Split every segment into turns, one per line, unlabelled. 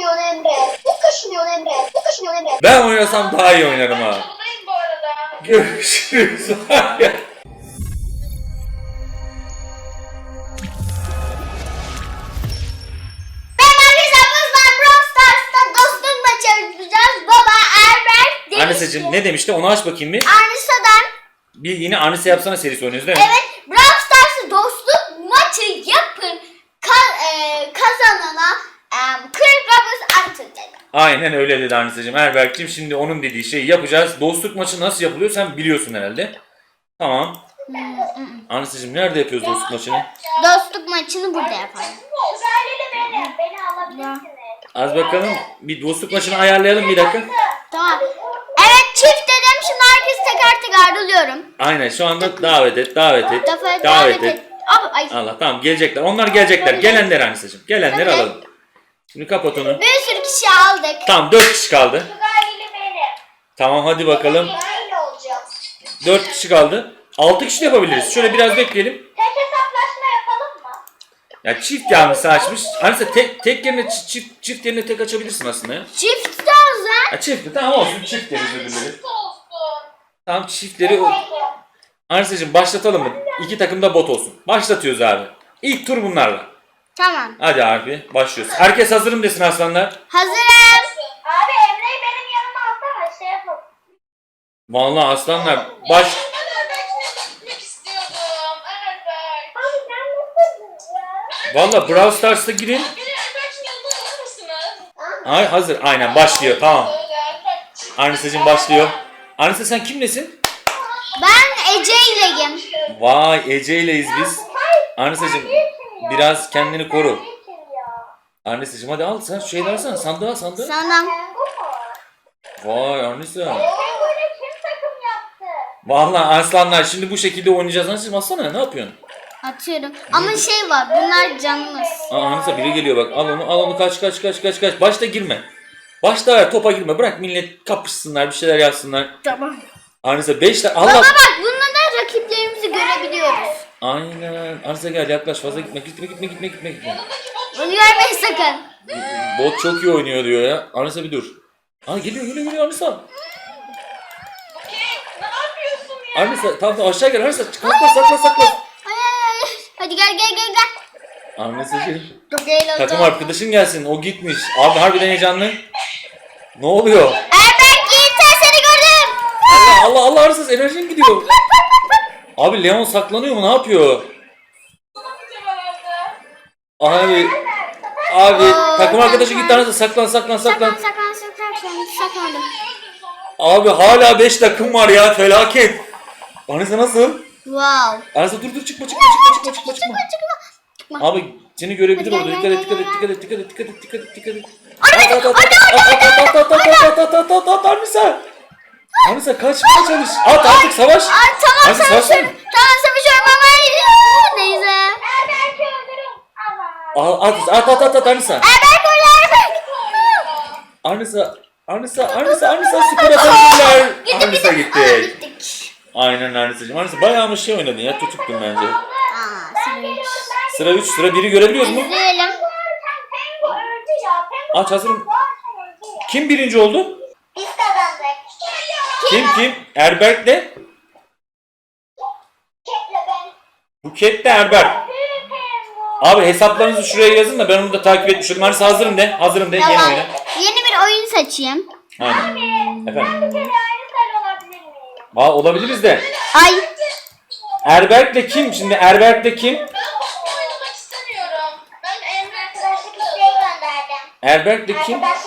kaşınıyorsun Emre. Çok kaşınıyorsun Emre. Çok kaşınıyorsun Emre.
Ben oynasam daha iyi oynarım ha.
Buradayım bu arada.
Görüşürüz. Anisa'cığım ne demişti? Onu aç bakayım bir.
Anisa'dan.
Bir yine Anisa yapsana serisi oynuyoruz değil mi?
Evet. Brawl Stars'ı dostluk maçı yapın. Kazanana 40 Robux atacak.
Aynen öyle dedi Anisa'cığım. Erberk'cim şimdi onun dediği şeyi yapacağız. Dostluk maçı nasıl yapılıyor sen biliyorsun herhalde. Tamam. Anisa'cığım nerede yapıyoruz dostluk maçını?
Dostluk maçını burada yapalım.
Uzaylılı beni alabilirsiniz.
Az bakalım. Bir dostluk maçını ayarlayalım bir dakika.
Tamam. Evet çift dedim. Şimdi herkes teker teker alıyorum.
Aynen şu anda davet et. Davet et.
Ay.
Allah tamam gelecekler. Onlar gelecekler. Gelenler Anisa'cığım. Gelenleri alalım. Şimdi kapat onu.
Bir sürü kişi aldık.
Tamam 4 kişi kaldı.
Uzaylılı beni.
Tamam hadi bakalım.
Uzaylı olacağım.
4 kişi kaldı. 6 kişi de yapabiliriz. Şöyle biraz bekleyelim.
Tek hesaplaşma yapalım mı?
Ya çift yanlısı açmış. Anisa tek yerine çift yerine tek açabilirsin aslında ya.
Çift de o zaman.
Ya çift tamam olsun çift deriz öbürleri.
Olsun.
Tamam çiftleri. Anisa'cığım başlatalım mı? 2 takım da bot olsun. Başlatıyoruz abi. İlk tur bunlarla.
Tamam.
Hadi abi başlıyoruz. Herkes hazırım desin aslanlar.
Hazırım.
Abi Emre'yi benim yanıma alsana şey yapalım.
Vallahi aslanlar
Ben Erberk'le gitmek istiyordum. Erberk.
Abi sen nasılsın ya?
Vallahi Brawl Stars'a girin.
Beni Erberk'in yanına alır mısınız?
Ay hazır aynen başlıyor tamam.
Erberk.
Anisa'cığım başlıyor. Anisa sen kimlesin?
Ben Ece ileyim.
Vay Ece'yleyiz biz. Anisa'cığım biraz kendini koru. Anisa'cığım hadi al sen şu şeyleri alsana sandığa.
Sana.
Vay Anisa.
Penguin'e kim takım yaptı?
Vallahi aslanlar şimdi bu şekilde oynayacağız. Anisa'cığım alsana ne yapıyorsun?
Atıyorum. Ama şey var. Bunlar canımız.
Aa Anisa biri geliyor bak al onu kaç. Başta girme. Başta ver topa girme bırak millet kapışsınlar bir şeyler yapsınlar.
Tamam.
Anisa 5 tane Allah.
Baba bak bununla da rakiplerimizi görebiliyoruz.
Aynen. Anisa gel yaklaş fazla gitme.
Bunu görmeyin sakın.
Bot çok iyi oynuyor diyor ya. Anisa bir dur. Aa geliyor Anisa.
Okey. Ne yapıyorsun ya?
Anisa tamam aşağı gel Anisa. Sakla.
Ay. Hadi gel.
Anisa'cığım.
Çok eğlenceli.
Takım arkadaşın gelsin. O gitmiş. Abi harbiden heyecanlı. Ne oluyor?
Erberk Yiğiter seni gördüm.
Allah Anisa enerjin gidiyor. Abi Leon saklanıyor mu? Ne yapıyor? Abi takım arkadaşı gitti Anisa saklan.
Saklandım.
Abi hala 5 takım var ya felaket. Anisa nasıl?
Wow.
Anisa dur çıkma. Abi seni görebilir orada. Dikkat et. At Anisa. Anisa kaçmaya çalış. At artık savaş.
Tamam
Anisa
savaşıyorum. Tamam savaşıyorum ama neyse.
Erberk'i öldürün. Ama.
At Anisa.
Erberk öyle Erberk.
Anisa skor atabilirler. Anisa gitti.
Gittik.
Aynen Anisa'cığım. Anisa bayağı mı şey oynadın ya tutuktun bence.
Sıra 3.
Sıra 3 biri görebiliyoruz mu?
İzleyelim.
Pengu öldü ya. Pengu
Aç hazırım.
öldü ya.
Kim birinci oldu?
Biz kazandık.
Kim? Erberk'le?
Ketle ben.
Buket'le Erberk.
Pengu.
Abi hesaplarınızı şuraya yazın da ben onu da takip etmiş olayım. Anisa hazırım de. Yeni
Tamam.
oyuna.
Yeni bir oyun seçeyim.
Aynen. Efendim.
Bir kere aynı sarı olabilir miyim?
Olabiliriz de.
Ay.
Erberk'le kim? Şimdi Erberk'le kim?
Ben oynamak istemiyorum. Ben Emre
Arkadaşlık isteği gönderdim.
Erberk'le kim?
Bak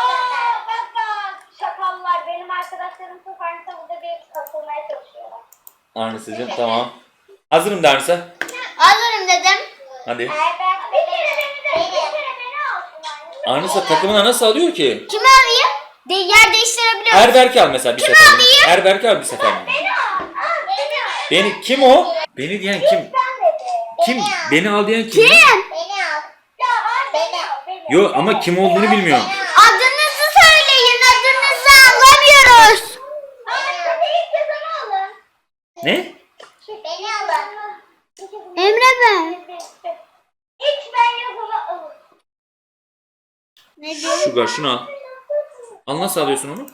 şakallar. Benim arkadaşlarım çok aynı burada bir katılmaya çalışıyorlar.
Anisa'cığım tamam. Hazırım da Anisa.
Hazırım dedim.
Hadi.
Erberk bir kere beni alsın.
Anisa takımına nasıl alıyor ki?
Kimi alayım? Yer değiştirebiliyorum.
Erberk'i al mesela bir
Kimi
sefer.
alayım?
Erberk'i al bir sefer.
Beni al.
Beni kim o? Beni diyen kim?
Ben dedi.
Kim? Beni al diyen kim?
Kim?
Beni al. Ya al beni al.
Yo ama kim olduğunu bilmiyorum.
Adınızı söyleyin. Adınızı anlamıyoruz.
Hadi ilk yazanı alın.
Ne?
Beni alın.
Emre ben.
İlk ben yazanı alın.
Ne diyor?
Sugar şunu al. Al, nasıl alıyorsun onu?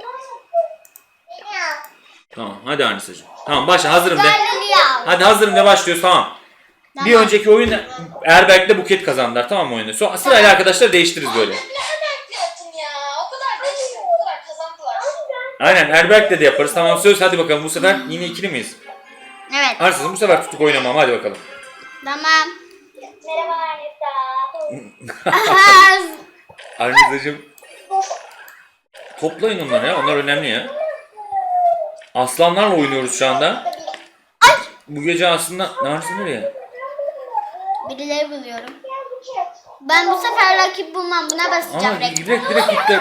Tamam hadi Anisa'cığım. Tamam başla, hazırım de.
Sugar al.
Hadi hazırım de, başlıyoruz, tamam.
Tamam.
Bir önceki oyun Erberk'le Buket kazandılar, tamam mı oyunu? Sonra sırayla arkadaşlar değiştiririz böyle.
Ne emekli yaptın ya? O kadar değişti, o kadar kazandılar.
Aynen, Erberk'le de yaparız, tamam söz, hadi bakalım bu sefer yine ikili miyiz?
Evet.
Arsızım bu sefer tutuk oynamam, hadi bakalım.
Tamam.
Merhaba Anita.
Anisa'cığım toplayın onları ya, onlar önemli ya. Aslanlarla oynuyoruz şu anda. Bu gece aslında Arisa nereye?
Birileri buluyorum. Ben bu sefer rakip bulmam. Buna basacağım.
Aa, direkt gitti.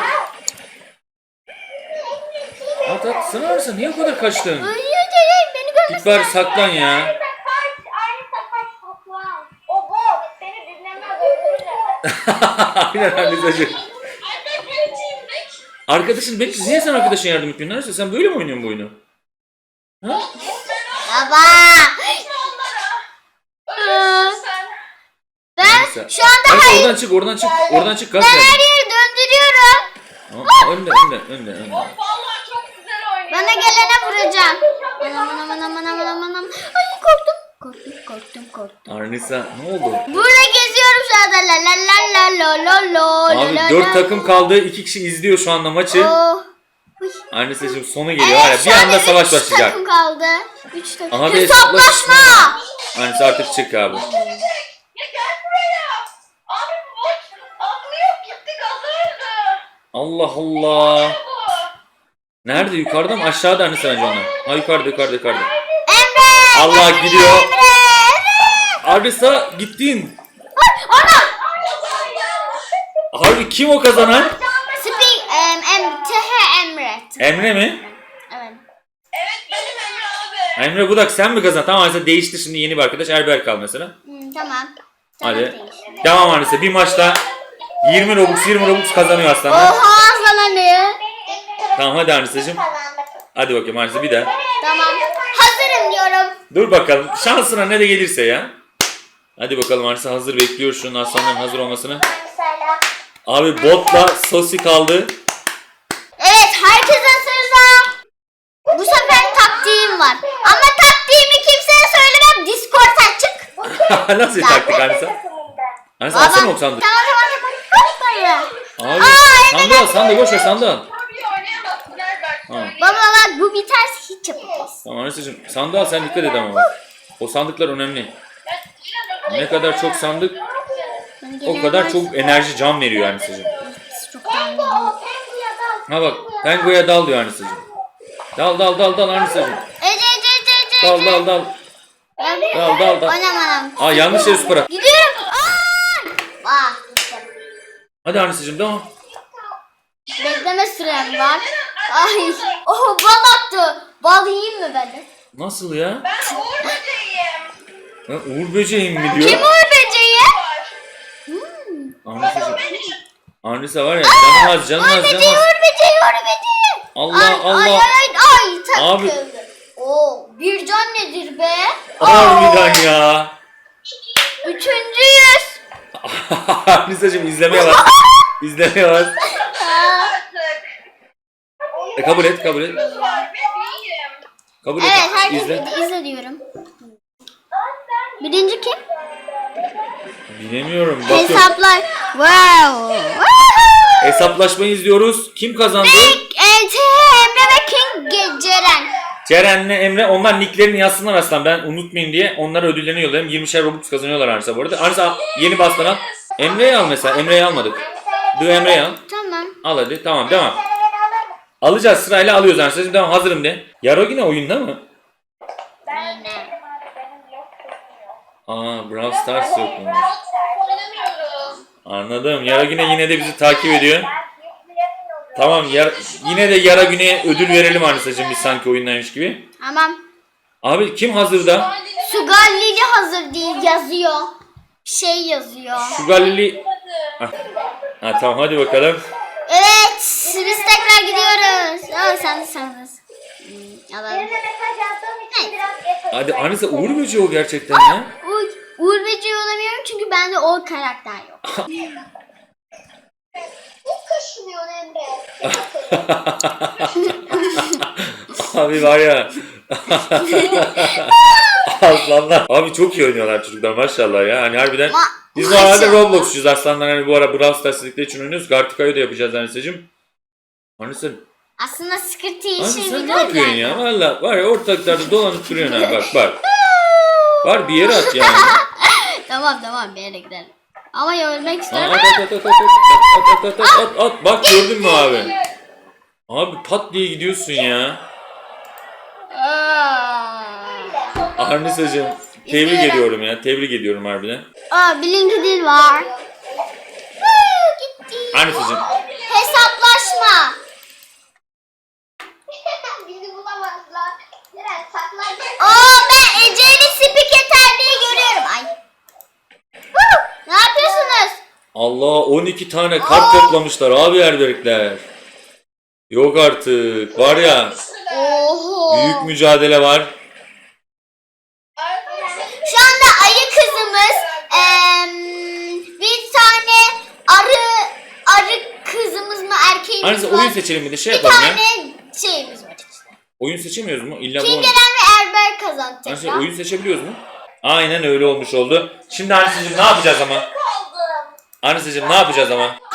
At sana Arisa, niye o kadar kaçtın?
Ay, beni
Git
görmesin.
bari saklan ya.
Anita kaç toplam. O bot seni dinlemez, öldürür.
Aynen Anisa'cığım.
Anne pençeyim bek.
Arkadaşın bekle, niye sen arkadaşına yardım etmiyorsun Arisa? Sen böyle mi oynuyorsun bu oyunu? Ha?
Baba.
Ölürsün sen.
Ben şu anda
Arisa oradan çık, gaz
ben
ver.
her yeri döndürüyorum.
Aa, önde.
Vallahi çok güzel oynuyor.
Bana gelene vuracağım. Anam. Ay korktum.
Arisa ne oldu?
Burada geziyorum şu anda. La.
Abi 4 takım kaldı, 2 kişi izliyor şu anda maçı.
Oh.
Anisa'cığım sonu geliyor, var ya, bir anda savaş
üç
başlayacak.
takım kaldı. 3 takım.
Aha, bir
Hesaplaşma.
Anisa artık çık abi.
Ya gel buraya. Abi bu bot aklı yok, gitti gazı öldü.
Allah Allah.
Bu.
Nerede, yukarıda mı aşağıda Anisa bence onlar? Ha, yukarıda.
Emre.
Allah gidiyor.
Emre.
Arisa gittin.
Ana.
Harbi kim o kazanan?
Emre.
Emre mi?
Evet.
Evet benim Emre abi.
Emre Budak sen mi kazandın? Tamam Arisa değişti, şimdi yeni bir arkadaş Erberk kal mesela.
Tamam.
Hadi. Devam Arisa, bir maçta 20 Robux kazanıyor aslanlar.
Oha aslanı.
Tamam hadi Anisa'cığım. Hadi bakayım Arisa bir daha.
Tamam. Hazırım diyorum.
Dur bakalım şansına ne de gelirse ya. Hadi bakalım Arisa hazır, bekliyor şunun aslanların hazır olmasını. Abi botla Sosi kaldı.
Evet, herkes hazırsa. Bu sefer taktiğim var. Ama taktiğimi kimseye söylemem. Discord açık.
Nasıl bir taktik Arisa? Arisa atsana o sandık.
Tamam. Hoppaya.
Abi sandığı boş ver, sandığı al.
Abi oynayamazsın Erbert.
Tamam.
Baba bak bu biterse hiç yapamayız.
Tamam Anisa'cığım sandığı al, sen dikkat et ama bak. O sandıklar önemli. Ne kadar çok sandık o kadar çok enerji, can veriyor Anisa'cığım.
Çok tanrım.
Ha bak Pengo'ya dal diyor Anisa'cığım. Dal Anisa'cığım.
Ece.
Dal. Dal.
Anam.
Aa, yanlış yere süper at.
Gidiyorum. Vah.
Hadi Anisa'cığım devam.
Bekleme sürem var. Ay. Oh bal attı. Bal yiyeyim mi ben de?
Nasıl ya?
Ben Uğur Böceğim.
Ha, Uğur böceğim mi diyor?
Kim Uğur böceği?
Anisa'cığım. Anisa var ya canım az.
Uğur böceği.
Allah.
Ay takıldı.
Abi.
Oo, bir can nedir be?
Harbiden ya.
Üçüncüyüz.
Anisa'cığım izlemeye bak.
Artık.
Kabul et.
Var ve değilim.
Kabul et.
Evet herkes
İzle.
izle diyorum. Birinci kim?
Bilemiyorum. Bakıyorum.
Hesaplar. Wow.
Hesaplaşmayı izliyoruz. Kim kazandı?
Emre ve King Ceren.
Ceren'le Emre, onlar nicklerini yazsınlar aslan, ben unutmayayım diye onlara ödüllerini yollayayım. 20'şer Robux kazanıyorlar Arisa bu arada. Arisa yeni bastan al. Emre'yi al mesela. Emre'yi almadık. Emre'yi al.
Tamam.
Al hadi. Tamam devam. Alacağız, sırayla alıyoruz Arisa'cığım. Tamam hazırım de. Yaro yine oyunda mı?
Yine.
Aa, Brawl Stars yok mu?
Oynamıyorum.
Anladım. Yaro yine de bizi takip ediyor. Tamam yine de Yara Güney'e ödül verelim Arisa'cığım, biz sanki oyundaymış gibi.
Tamam.
Abi kim hazırda?
Sugar Lily hazır değil yazıyor. Bir şey yazıyor.
Şu Galili... Ha tamam hadi bakalım.
Evet biz tekrar gidiyoruz. Sen alalım.
Birine mesaj yazdığım için biraz geç oldu.
Hadi Arisa Uğur Böceği o gerçekten ya.
Uğur Böceği olamıyorum çünkü bende o karakter yok.
Abi var ya. Aslanlar. Abi çok iyi oynuyorlar çocuklar maşallah ya. Hani harbiden biz normalde Roblox'cuyuz aslanlar. Hani bu ara Brawl Stars dedikleri için oynuyoruz. Gartica'yı da yapacağız Anisa'cığım. Anisa,
Aslında sıkıntı işi
Anisa sen ne
biliyorum
yapıyorsun ya? Valla var ya ortalıklarda dolanıp duruyorsun ha. Bak. Var bir yere at yani.
Tamam bir yere gidelim. Ama ölmek istiyorum.
At. Bak gördün mü abi? Abi pat diye gidiyorsun ya. Arnisa'cığım tebrik
İzliyorum.
ediyorum ya. Tebrik ediyorum harbiden.
Bilinci dil var. Gitti.
Arnisa'cığım.
Hesaplaşma.
Bizi bulamazlar. Ceren saklanacak.
Ben Ece'li Spiketer diye görüyorum. Ay. Ne yapıyorsunuz?
Allah 12 tane kart toplamışlar abi erberikler. Yok artık. Var ya
Oho.
büyük mücadele var.
Şu anda ayı kızımız bir tane arı kızımız mı erkeğimiz
Arnisa
var.
oyun seçelim bir de şey
Bir
yapalım ya.
tane şeyimiz var.
Oyun seçemiyoruz mu? İlla bu oyun.
Kingeren ve Erber kazanacak
Arnisa
ya.
oyun seçebiliyoruz mu? Aynen öyle olmuş oldu. Şimdi Arnisa'cığım ne yapacağız ama?
Kaldım.
Arnisa'cığım ne yapacağız ama?